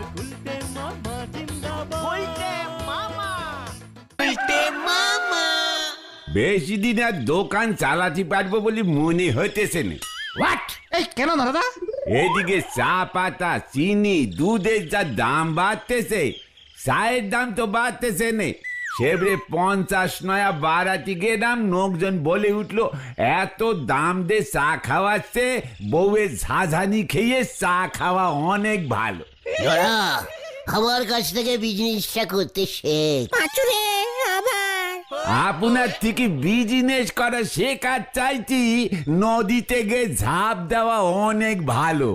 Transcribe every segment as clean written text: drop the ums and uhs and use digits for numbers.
বেশি দিন আর দোকান চালাতে পারবো বলে মনে হইতেছে না। হোয়াট? এই কেন দাদা? এদিকে চা পাতা, চিনি, দুধের যা দাম বাড়তেছে, চায়ের দাম তো বাড়তেছে না। সেবরে 50 নয়া বাড়াতে গেলাম, লোকজন বলে উঠলো এত দাম দিয়ে চা খাওয়াচ্ছে, বউয়ের ঝাঝানি খেয়ে চা খাওয়া অনেক ভালো। আমার কাছ থেকে বিজনেসটা করতে শেখ। পাঁচুরে আবার আপনার থেকে বিজনেস করা শেখার চাইছি, নদীতে গিয়ে ঝাঁপ দেওয়া অনেক ভালো।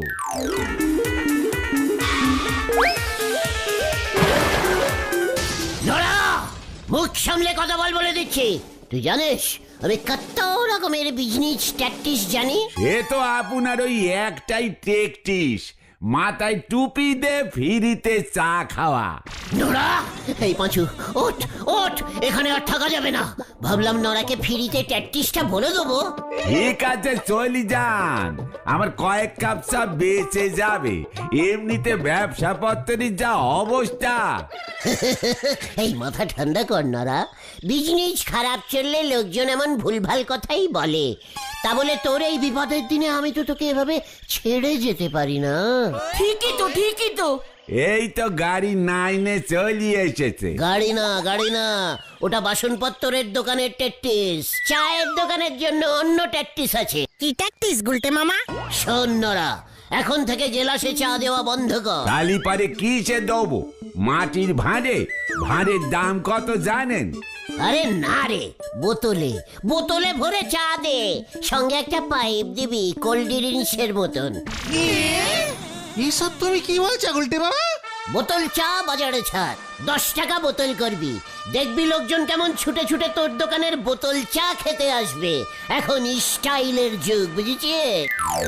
মুখ সামলে কথা বলে দিচ্ছি। তুই জানিস আমি কত রকমের বিজনেস ট্যাকটিস জানি। সে তো আপনার ওই একটাই টেকটিস, মাথায় টুপি দে ফিরিতে চা খাওয়া। নোরা, এই পাঁচু ওঠ ওঠ, এখানে আর থাকা যাবে না। ভাবলাম নোরাকে ফিরিতে ট্যাকটিসটা বলে দেবো। ঠিক আছে চলি যান, আমার কয়েক কাপ চা বেঁচে যাবে। এমনিতে ব্যবসা পত্রের যা অবস্থা। এই মাথা ঠান্ডা কর নোরা, বিজনেস খারাপ চললে লোকজন এমন ভুলভাল কথাই বলে। তা বলে তোর এই বিপদের দিনে আমি তো তোকে এভাবে ছেড়ে যেতে পারি না। ঠিকই তো এই তো গাড়ি 9-এ চলি এসেছে। গাড়ি না, ওটা বাসনপত্রের দোকানের ট্যাকটিস। চায়ের দোকানের জন্য অন্য ট্যাকটিস আছে। কি ট্যাকটিস গুলটে মামা? শোন নোরা, এখন থেকে জেলাসে চা দেওয়া বন্ধ কর। কালি পারে কিসে দেবো? মাটির ভাঁড়ে? ভাঁড়ের দাম কত জানেন? আরে না রে, বোতলে ভরে চা দে, সঙ্গে একটা পাইপ দিবি কোল্ড ড্রিঙ্কসের মতন। এসব তুমি কি বলছো গুলটে বাবা? বোতল চা বাজারে ছাড়, 10 টাকা বোতল করবি। দেখবি লোকজন কেমন ছুটে ছুটে তোর দোকানের বোতল চা খেতে আসবে। এখন স্টাইলের যুগ, বুঝেছিস?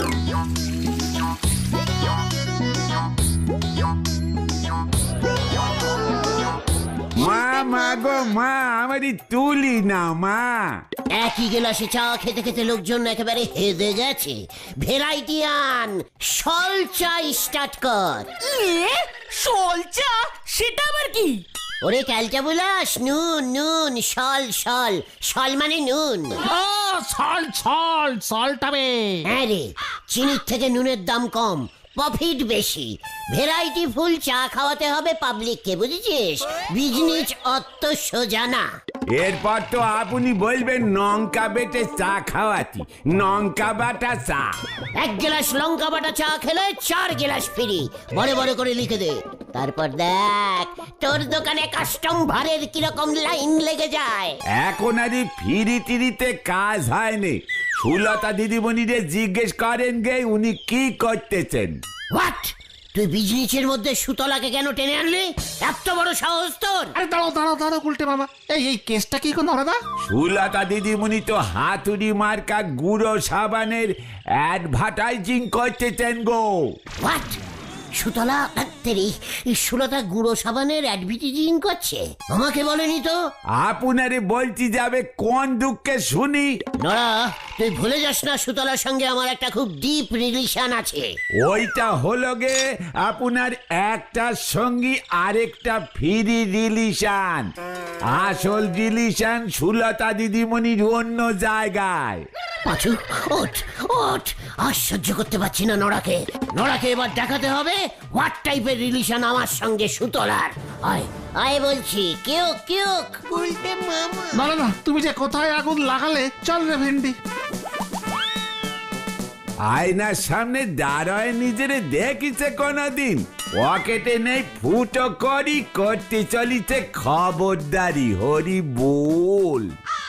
মা গো মা, আমারই তুলি না মা। একই গেলাসে চা খেতে খেতে লোকজন একেবারে হেদে গেছে। ভ্যারাইটি আন, সল চা স্টার্ট কর। সল চা? সেটা আবার কি? ওরে ক্যালটা বুলাস, নুন, সল মানে নুন। ও সলটাবে। হ্যাঁ রে, চিনির থেকে নুনের দাম কম, প্রফিট বেশি। ভ্যারাইটি ফুল চা খাওয়াতে হবে পাবলিককে, বুঝেছিস? বিজনেস অত সোজা না। এরপর তো আপনি বলবেন লঙ্কা বেটে চা খাওয়াতি, লঙ্কা বাটা চা। 1 গ্লাস লঙ্কা বাটা চা খেলে 4 গ্লাস ফ্রি, বড় করে লিখে দে। তারপর দেখ তোর দোকানে কাস্টম ভারের কিরকম লাইন লেগে যায়। এখন আর ফিরি টিরিতে কাজ হয়নি। সুলতা দিদিমণিরে জিজ্ঞেস করেন গে উনি কি করতেছেন। হোয়াট? তুই বিজনেসের মধ্যে সুতলাকে কেন টেনে আনলি? এত বড় সাহস তোর? আরে দাঁড়াও গুলটে মামা, এই কেসটা কি কোন দাদা? সুলতা দিদিমণি তো হাতুড়ি মার্কা গুঁড়ো সাবানের অ্যাডভার্টাইজিং করতেছেন গো। হোয়াট? সুতলা সুলতা গুঁড়ো সাবানের অ্যাডভার্টাইজিং করছে? আমাকে বলেনি তো। আপনারে বলছি যাবে কোন দুঃখে শুনি। নড়া, তুই ভুলে যাস না সুতলার সঙ্গে আমার একটা খুব ডিপ রিলেশন আছে। ওইটা হলো গে আপনার একটার সঙ্গী আরেকটা ফ্রি রিলেশন। আসল রিলেশন সুলতা দিদিমণির অন্য জায়গায়। পাঁচু ওঠ, আর সহ্য করতে পারছি না নড়াকে। এবার দেখাতে হবে হোয়াট টাইপের রিলেশন আমার সঙ্গে সুতলার। আয় বলছি, কেউ গুলটে মামা। না, তুমি যে কোথায় আগুন লাগালে, চল রে ভেন্ডি। আয়নার সামনে দাঁড়ায় নিজেরে দেখিছে কোনদিন? পকেটে নেই ফুটো করি, করতে চলিছে খবরদারি, হরি বল।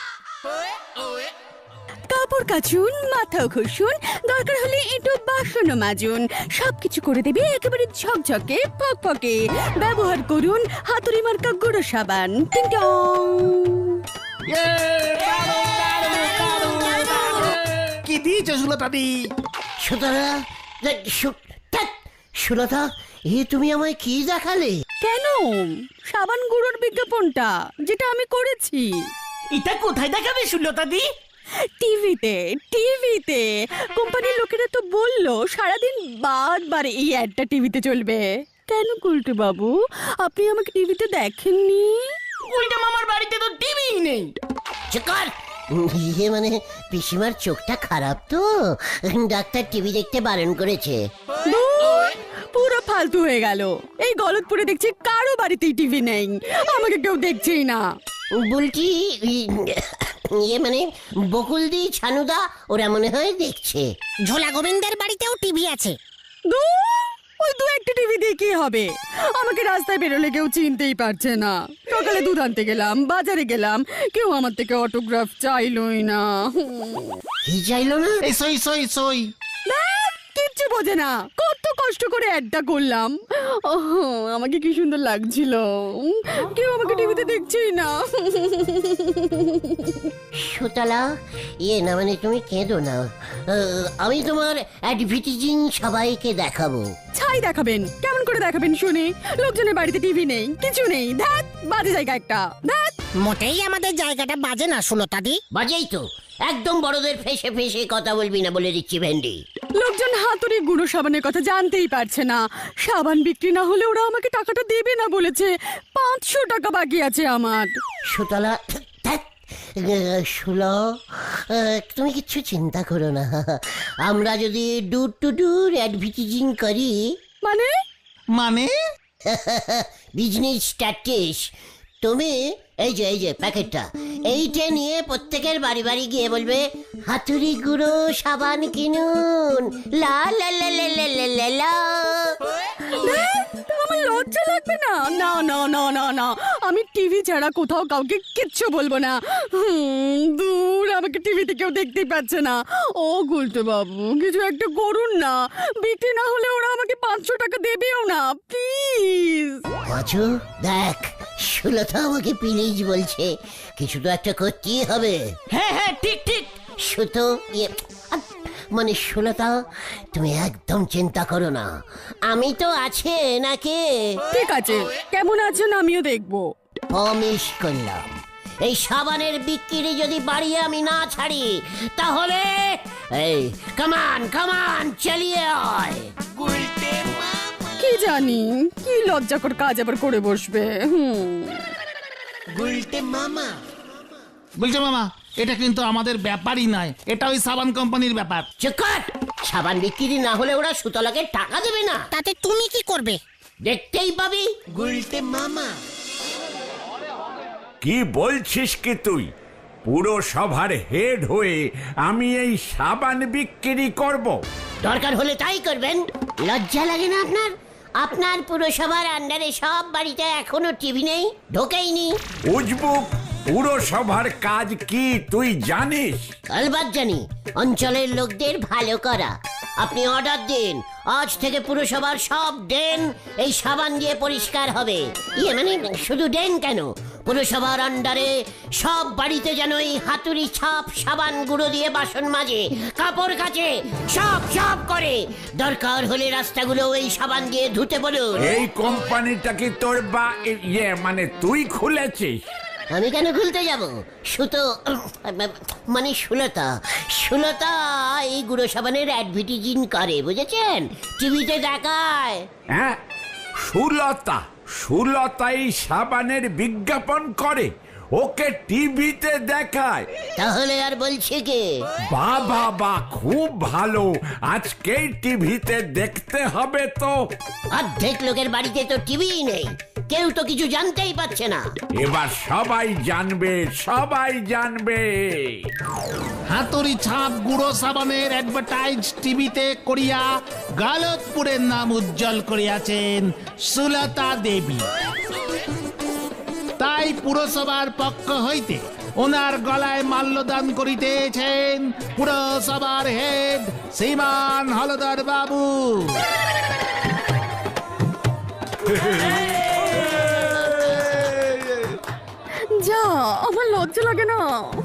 কাপড় কাচুন, মাথাও ঘষুন, দরকার হলে একটু বাসনও মাজুন, সবকিছু করে দেবে একেবারে ঝকঝকে ফকফকে। ব্যবহার করুন হাতুড়ি মার্কা গুঁড়ো সাবান। টিং টং। কি দিয়েছো সুলতা দি? সুলতা, তুমি আমায় কি দেখালে? কেন? সাবান গুঁড়োর বিজ্ঞাপনটা যেটা আমি করেছি। এটা কোথায় দেখাবে সুলতা দি? টিভিতে কোম্পানির লোকেরা তো বললো সারাদিন বারবার এই অ্যাডটা টিভিতে চলবে। কেন গুলটে বাবু, আপনি আমাকে টিভিতে দেখেননি? উল্টে মামার বাড়িতে তো টিভিই নেই। চিকর মানে পিসিমার চোখটা খারাপ তো, ডাক্তার টিভি দেখতে বারণ করেছে। ধুর, পুরো ফালতু হয়ে গেল। এই গলতপুরে দেখছি কারো বাড়িতেই টিভি নেই, আমাকে কেউ দেখছেই না। বলছি মানে বকুলদি ছানুদা ওরা মনে হয় দেখছে। ঝোলা গোবিন্দের বাড়িতেও টিভি আছে। ধুর, ওই দু একটা টিভি দিয়ে কি হবে? আমাকে রাস্তায় বেরোলে কেউ চিনতেই পারছে না। সকালে দুধ আনতে গেলাম, বাজারে গেলাম, কেউ আমার থেকে অটোগ্রাফ চাইলই না। কি চাইলো না? এই সই সই সই। ধ্যাৎ, কিচ্ছু বোঝে না। কত কষ্ট করে অ্যাডটা করলাম। ওহ, আমাকে কি সুন্দর লাগছিল। কেউ আমাকে টিভিতে দেখছেই না। সুতলা না মানে তুমি কেঁদো না, আমি তোমার অ্যাডভার্টাইজিং সবাইকে দেখাবো। ছাই দেখাবেন? কেমন করে দেখাবেন শুনি? লোকজনের বাড়িতে টিভি নেই, কিছু নেই। ধ্যাৎ, বাজে জায়গা একটা। ধ্যাৎ, মোটেই আমাদের জায়গাটা বাজে না সুলতাদি। বাজেই তো, একদম বড়দের ফেসে ফেসে কথা বলবি না বলে দিচ্ছি ভেন্ডি। লোকজন হাতুড়ি গুঁড়ো সাবানের কথা জানতেই পারছে না। সাবান বিক্রি না হলে ওরা আমাকে টাকাটা দেবে না বলেছে। 500 টাকা বাকি আছে আমার। সুতলা শুলো, তুমি কিচ্ছু চিন্তা করো না। আমরা যদি ডুর টু ডুর অ্যাডভার্টাইজিং করি, মানে মানে বিজনেস স্ট্যাটিস, তুমি এই যে প্যাকেটটা এইটা নিয়ে প্রত্যেকের বাড়ি বাড়ি গিয়ে বলবে হাতুড়ি গুঁড়ো সাবান কিনুন, লা লা লা লা লা লা লা লা। আমার লজ্জা লাগবে না? না না না না না, আমি টিভি ছাড়া কোথাও কাউকে কিচ্ছু বলবো না। দূর, আমাকে টিভিতে কেউ দেখতেই পাচ্ছে না। ও গুলটে বাবু, কিছু একটা করুন না। বিক্রি না হলে ওরা আমাকে 500 টাকা দেবেও না, প্লিজ। পাঁচু দেখ, সুলতা আমাকে প্লিজ বলছে, কিছু তো একটা করতেই হবে। হ্যাঁ হ্যাঁ, ঠিক ঠিক। সুতো মানে সুলতা, তুমি একদম চিন্তা করো না, আমি তো আছে নাকি। ঠিক আছে, কেমন আছেন আমিও দেখবো। প্রমিস করলাম, এই সাবানের বিক্রি যদি বাড়িয়ে আমি না ছাড়ি তাহলে এই কামান কামান চালিয়ে আয়। কি জানি কি লজ্জাকর কাজ আবার করে বসবে। বলছে মামা, এটা কিন্তু আমাদের ব্যাপারই নয়, এটা ওই সাবান কোম্পানির ব্যাপার। চুপ কর, সাবান বিক্রি না হলে ওরা সুতলাকে টাকা দেবে না। তাতে তুমি কি করবে? দেখতেই পাবি। কি বলছিস কি তুই? পুরো সভার হেড হয়ে আমি এই সাবান বিক্রি করব? দরকার হলে তাই করবেন। লজ্জা লাগে না আপনার? আপনার পুরসভার আন্ডারে সব বাড়িতে এখনো টিভি নেই, ঢোকেইনি। উজবুক, পুরসভার কাজ কি তুই জানিস? আলবাত জানি, অঞ্চলের লোকদের ভালো করা। আপনি অর্ডার দিন, আজ থেকে পুরসভার সব ড্রেন এই সাবান দিয়ে পরিষ্কার হবে। মানে শুধু ড্রেন কেন, পুরসভার আন্ডারে সব বাড়িতে যেন এই হাতুড়ি ছাপ সাবান গুঁড়ো দিয়ে বাসন মাজে, কাপড় কাচে, সব সব করে। দরকার হলে রাস্তাগুলো এই সাবান দিয়ে ধুতে বলুন। এই কোম্পানিটা কি তোর মানে তুই খুলেছিস? আমি কেন খুলতে যাব? সুতো মানে সুলতা এই গুঁড়ো সাবানের অ্যাডভার্টাইজিং করে, বুঝেছেন? টিভিতে দেখায়। হ্যাঁ, সুলতা এই সাবানের বিজ্ঞাপন করে, ওকে টিভিতে দেখায়। তাহলে আর বলছে কে? বাবা, খুব ভালো, আজকেই টিভিতে দেখতে হবে তো। অর্ধেক লোকের বাড়িতে তো টিভিই নেই, কেউ তো কিছু জানতেই পারছে না। এবার সবাই জানবে। হাতুড়ি ছাপ গুঁড়ো সাবানের অ্যাডভার্টাইজ টিভিতে করিয়া গালতপুরের নাম উজ্জ্বল করিয়াছেন সুলতা দেবী। তাই পুরসভার পক্ষ হইতে ওনার গলায় মাল্যদান করিতেছেন পুরসভার হেড শ্রীমান হলদর বাবু। যা, আমার লজ্জা লাগে না।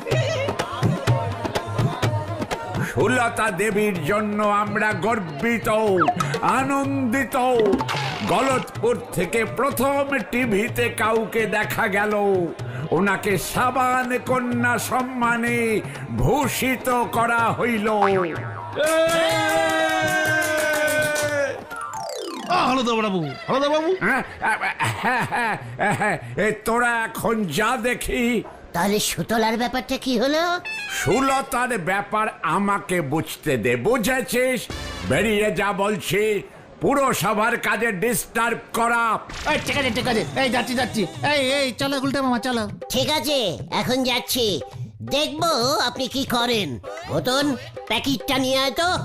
সুলতা দেবীর জন্য আমরা গর্বিত, আনন্দিত। গলতপুর থেকে প্রথম টিভিতে কাউকে দেখা গেল, ওনাকে সাবান কন্যা সম্মানে ভূষিত করা হইল। হলদর বাবু, হলদর বাবু। তোরা এখন যা দেখি। তাহলে সুতলার ব্যাপারটা কি হলো? সুলতার ব্যাপার আমাকে বুঝতে দে, বুঝেছিস? বেরিয়ে যা বলছি, পুরো সবার কাজে ডিস্টার্ব করা। এই ঠিক আছে ঠিক আছে, এই যাচ্ছি যাচ্ছি। এই চলো গুলটে মামা চলো। ঠিক আছে, এখন যাচ্ছি, দেখবো আপনি কি করেন। মতন প্যাকেটটা নিয়ে আয় তো।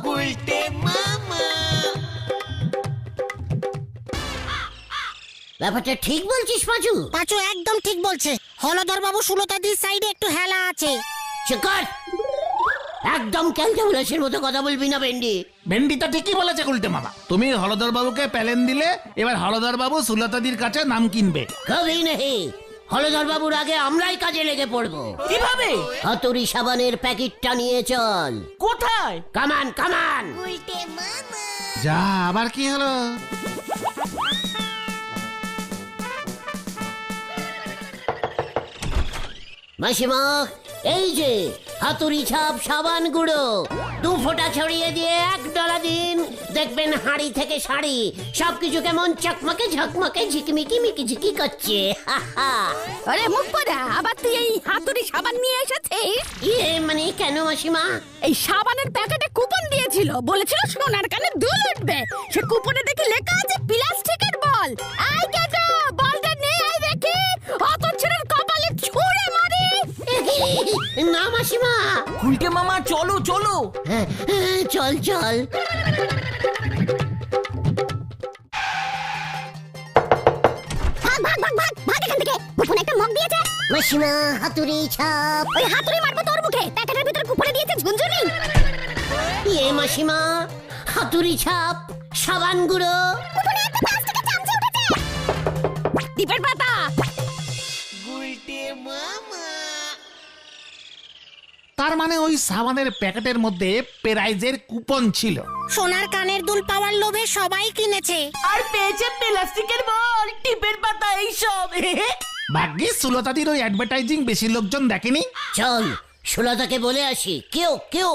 ব্যাপারটা ঠিক বলছিস পাঁচু? পাঁচু একদম ঠিক বলছে। হলদর বাবু সুলতাদির সাইডে একটু হেলা আছে। চুপ কর, একদম ক্যালকুলেশনের মতো কথা বলবি না ভেন্ডি। ভেন্ডি তো ঠিকই বলেছে গুলটে মামা। তুমি হলদর বাবুকে প্যালেন দিলে, এবার হলদর বাবু সুলতাদির কাছে নাম কিনবে। কবি নেই, হলধর বাবুর আগে আমরাই কাজে লেগে পড়বো। কিভাবে? হাতুড়ি সাবানের প্যাকেটটা নিয়ে চল। কোথায়? কামান কামান। যা, আবার কি হলো? মাসিমা, এই যে হাতুড়ি ছাপ সাবান গুঁড়ো, 2 ফোঁটা ছড়িয়ে দিয়ে 1 ডলা দিন, দেখবেন হাঁড়ি থেকে শাড়ি সবকিছু কেমন চকমকে ঝকমকে ঝিকমিকি মিকিঝিকি করছে। আরে মুখ পড়া, আবার তুই এই হাতুড়ি সাবান নিয়ে এসেছিস? ইয়ে মানে কেন মাসিমা? এই সাবানের প্যাকেটে কুপন দিয়েছিল, বলেছিল সোনার কানে দুল উঠবে। সে কুপনে দেখি লেখা আছে প্লাস্টিকের বল। আই কাকা, বলটা নিয়ে আয় দেখি, অত ছেলের কপালে ছুঁড়ে মারি। না মাসিমা। গুলটে মামা চলো চলো। হ্যাঁ, চল চল। ভাগ ভাগ ভাগ ভাগ ভাগ এখান থেকে। কুপনে একটা মগ দিয়েছে। মাসিমা, হাতুড়ি ছাপ। ওই হাতুড়ি মারবো তোর মুখে। প্যাকেটের ভিতর কুপনে দিয়েছে ঝুনঝুনি। ইয়ে মাসিমা, হাতুড়ি ছাপ সাবান গুঁড়ো। কুপনে একটা প্লাস্টিকের চামচে উঠেছে। দীপের পাতা। তার মানে ওই সাবানের প্যাকেটের মধ্যে প্রাইজের কুপন ছিল। সোনার কানের দুল পাওয়ার লোভে সবাই কিনেছে। আর পেয়েছে প্লাস্টিকের বল, টিপের পাতা, এইসব। ভাগ্যিস সুলতাদির ওই অ্যাডভার্টাইজিং বেশি লোকজন দেখেনি। চল সুলতাকে বলে আসি। কেউ কেউ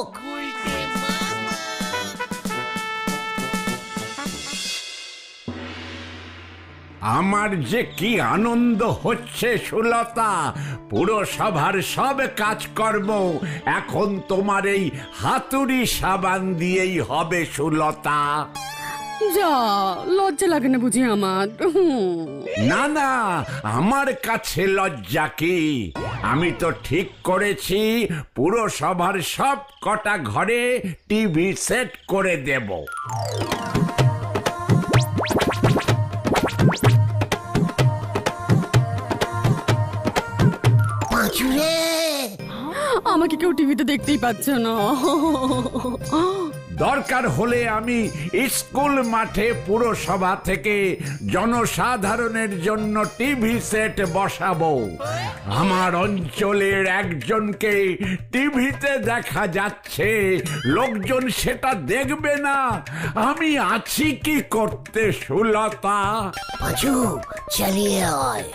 আমার যে কি আনন্দ হচ্ছে সুলতা, পুরো সভার সব কাজকর্ম এখন তোমার এই হাতুড়ি সাবান দিয়েই হবে সুলতা। যা, লজ্জা লাগে না বুঝি আমার? না না, আমার কাছে লজ্জা কি? আমি তো ঠিক করেছি পুরো সভার সব কটা ঘরে টিভি সেট করে দেব। পাঁচুরে, আমাকে কেউ টিভিতে দেখতেই পাচ্ছে না। দরকার হলে আমি স্কুল মাঠে পুরসভা থেকে জনসাধারণের জন্য টিভি সেট বসাবো। আমার অঞ্চলের একজনকে টিভিতে দেখা যাচ্ছে, লোকজন সেটা দেখবে না। আমি আছি কি করতে সুলতা? পাঁচু চালিয়ে আয়।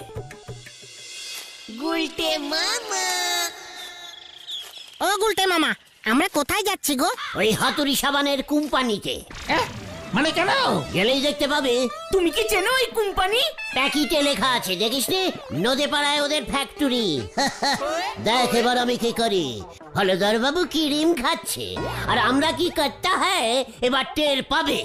ও গুলটে মামা, আমরা কোথায় যাচ্ছি গো? ওই হাতুড়ি সাবানের কোম্পানিতে। মানে কেন? গেলেই দেখতে পাবে। তুমি কি চেনো এই কোম্পানি? প্যাকেটে লেখা আছে, দেখিস নি? নদে পাড়ায় ওদের ফ্যাক্টরি। দেখ এবার আমি কি করি। হলধর বাবু ক্রিম খাচ্ছে আর আমরা কি করতে হয় এবার টের পাবে।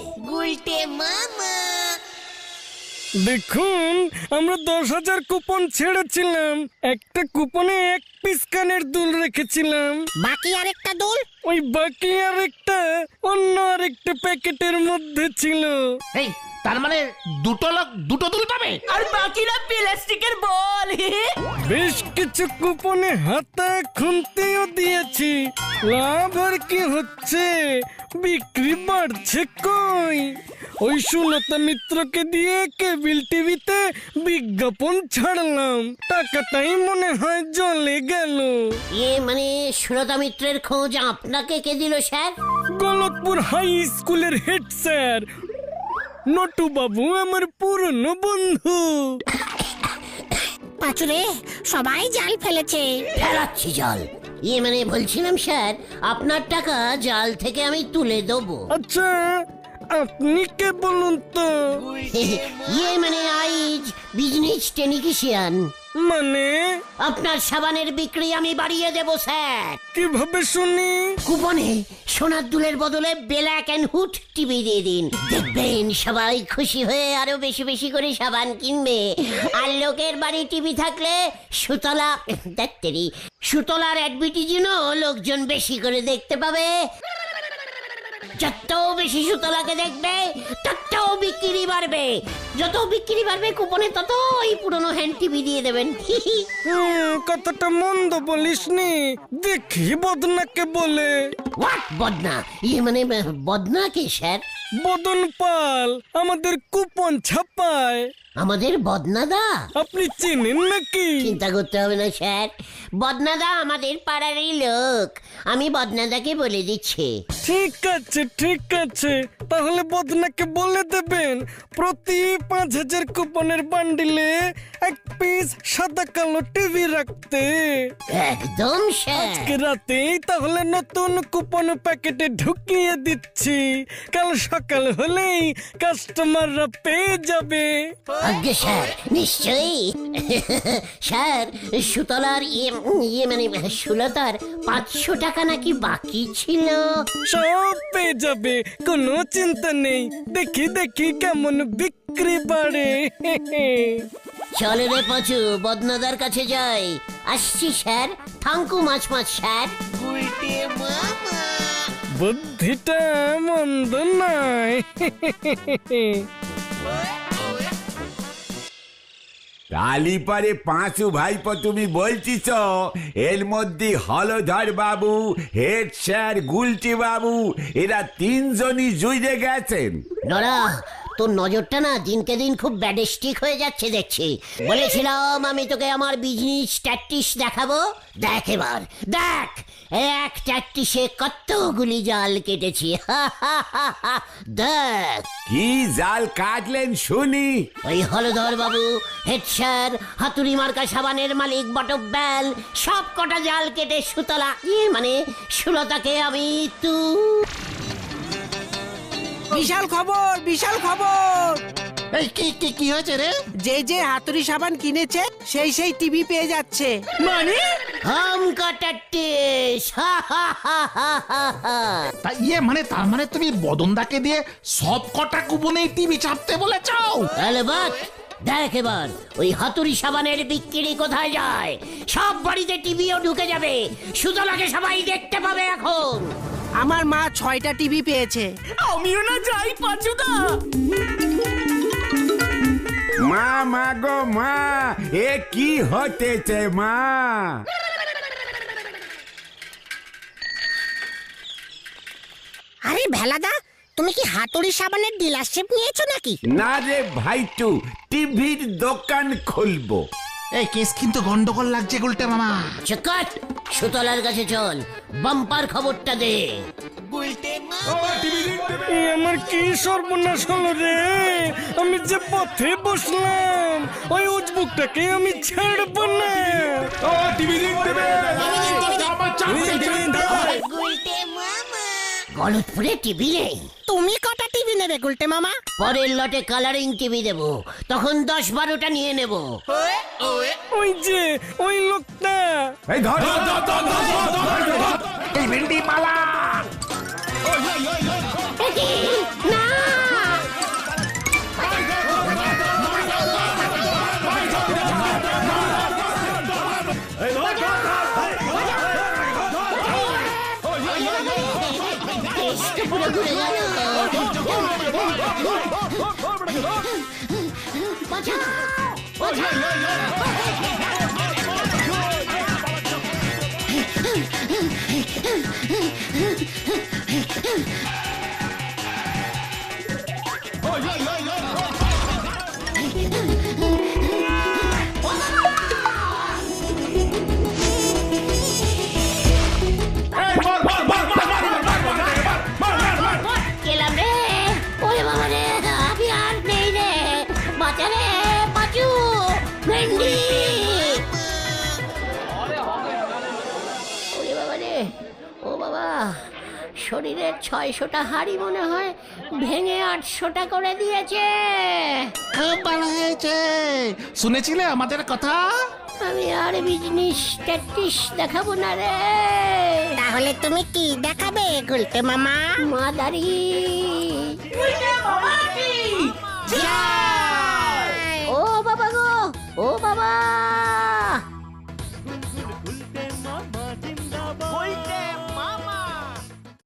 দেখুন, আমরা 10,000 কুপন ছেড়েছিলাম। একটা কুপনে 1 পিস কানের দুল রেখেছিলাম। বাকি আরেকটা দুল? ওই বাকি আরেকটা অন্য আরেকটা প্যাকেটের মধ্যে ছিল। এই, তার মানে দুটো লোক দুটো দুল পাবে? আর বাকিরা প্লাস্টিকের বল। বেশ কিছু কুপনে হাতা খুনতেও দিয়েছি। লাভ আর কি হচ্ছে, বিক্রি বাড়ছে কই। ওই সুলতা মিত্রকে দিয়ে কেবিল টিভিতে বিজ্ঞাপন ছাড়লাম, টাকাটাই মনে হয় জলে গেল। মানে সুলতা মিত্রের খোঁজ আপনাকে কে দিল স্যার? গলতপুর হাই স্কুলের হেড স্যার নটু বাবু, আমার পুরনো বন্ধু। পাঁচুরে, সবাই জাল ফেলেছে। ফেলাচ্ছি জাল। মানে বলছিলাম স্যার, আপনার টাকা জাল থেকে আমি তুলে দেবো। আচ্ছা, আপনি কে বলুন তো? ইয়ে মানে আইজ বিজনেস টেকনিশিয়ান। মানে আপনার সাবানের বিক্রি আমি বাড়িয়ে দেব স্যার। কিভাবে শুনি? কুপনে সোনার দুলের বদলে ব্ল্যাক এন্ড হুড টিভি দিয়ে দিন, দেখবেন সবাই খুশি হয়ে আরো বেশি বেশি করে সাবান কিনবে। আর লোকের বাড়ি টিভি থাকলে সুতলার অ্যাডভার্টাইজও লোকজন বেশি করে দেখতে পাবে। যত বেশি সুতলাকে দেখবে তত বিক্রি বাড়বে, যত বিক্রি বাড়বে কুপনে তত ওই পুরনো হ্যান্ড টিভি দিয়ে দেবেন। কথাটা মন্দ বলিসনি। দেখি বদনাকে বলে। হোয়াট বদনা? ইয়ে মানে বদনা কে স্যার? বদন পাল আমাদের কুপন ছাপায়। আমাদের বদনাদা? আপনি চেনেন নাকি? চিন্তা করতে হবে না স্যার, বদনাদা আমাদের পাড়ারই লোক। আমি বদনাদাকে বলে দিচ্ছি। ঠিক আছে ঠিক আছে, তাহলে বদনাকে বলে দেবেন প্রতি 5000 কুপনের বান্ডিলে এক পিস সাদা কালো টিভি রাখতে। একদম স্যার। আজকে রাতেই তাহলে নতুন কুপন প্যাকেটে ঢুকিয়ে দিচ্ছি, কাল সকাল হলেই কাস্টমাররা পেয়ে যাবে। আজ্ঞে স্যার, নিশ্চয়ই। স্যার, সুতলার ইয়ে মানে সুলতার 500 টাকা নাকি বাকি ছিল। সব পেয়ে যাবে, কোনো চিন্তা নেই। দেখি দেখি কেমন বিক্রি বাড়ে। চলে রে পাঁচু, বদনাদার কাছে যাই। আসছি স্যার, থাঙ্কু মাছ স্যার। বুদ্ধিটা মন্দ নয়। কালীপারে পাঁচু ভাইপো তুমি বলছিস? এর মধ্যে হলধর বাবু, হেড স্যার, গুলটি বাবু এরা 3 জনই জুড়ে গেছেন। নরা, তোর নজরটা না দিনকে দিন খুব ব্যাডস্টিক হয়ে যাচ্ছে দেখছি। বলেছিলাম আমি তোকে আমার বিজনেস ট্যাকটিক্স দেখাবো। দেখ এবার দেখ, এক ট্যাকটিক্সে কতগুলি জাল কেটেছি। দেখ কি জাল কাটলেন শুনি। ওই হলধর বাবু, হেড স্যার, হাতুড়ি মার্কা সাবানের মালিক বটব্যাল সব কটা জাল কেটে সুতলা মানে সুলতাকে আমি বিশাল খবর, বিশাল খবর। এই কি কি কি হয়েছে রে? যে হাতুড়ি সাবান কিনেছে সেই টিভি পেয়ে যাচ্ছে। মানে হাম কাটাটিস। মানে তার মানে তুমি বদনদাকে দিয়ে সব কটা কুপনে টিভি চাপতে বলেছো? তাহলে বাদ দেখ এবার ওই হাতুড়ি সাবানের বিক্রি কোথায় যায়। সব বাড়িতে টিভিও ঢুকে যাবে, সুতলাকে সবাই দেখতে পাবে এখন। আমার মা 6টা টিভি পেয়েছে। আমিও না যাই পাঁচুদা। মা মা গো মা, এ কি হতেছে মা? আরে ভেলাদা, তুমি কি হাতুড়ি সাবানের ডিলারশিপ নিয়েছো নাকি? না রে ভাইটু, টিভির দোকান খুলবো। এই কেস কিন্তু গন্ডগোল লাগছে গুলটে মামা। চকাট, সুতলার কাছে চল, বাম্পার খবরটা দে। আমার কি সর্বনাশ হলো রে! আমি যে পথে বসলাম, ওই উজবুকটাকে আমি ছাড়বো না। গলতপুরে টিভি নেই। তুমি কটা টিভি নেবে গুলটে মামা? পরের লটে কালারিং টিভি দেব, তখন 10-12টা নিয়ে নেব। ওই যে ওই লোকটা। এই ধর এই ভেন্ডি পালা। না, পুরো ঘুরে গেল। বাঁচাও, বাঁচাও। গেলাম রে, ওরে বাবা রে, আমি আর নেই রে। বাঁচা রে পাঁচু, ভেন্ডি। ওরে বাবা রে, ও বাবা, শোন শরীরের 600টা হাড়ি মনে হয় ভেঙে 800টা করে দিয়েছে। খুব ভালো হয়েছে। শুনেছিলে আমাদের কথা? আমি আর বিজনেস ট্যাকটিস দেখাবো না রে। তাহলে তুমি কি দেখাবে গুলটে মামা? মাদারি মামা কি যা!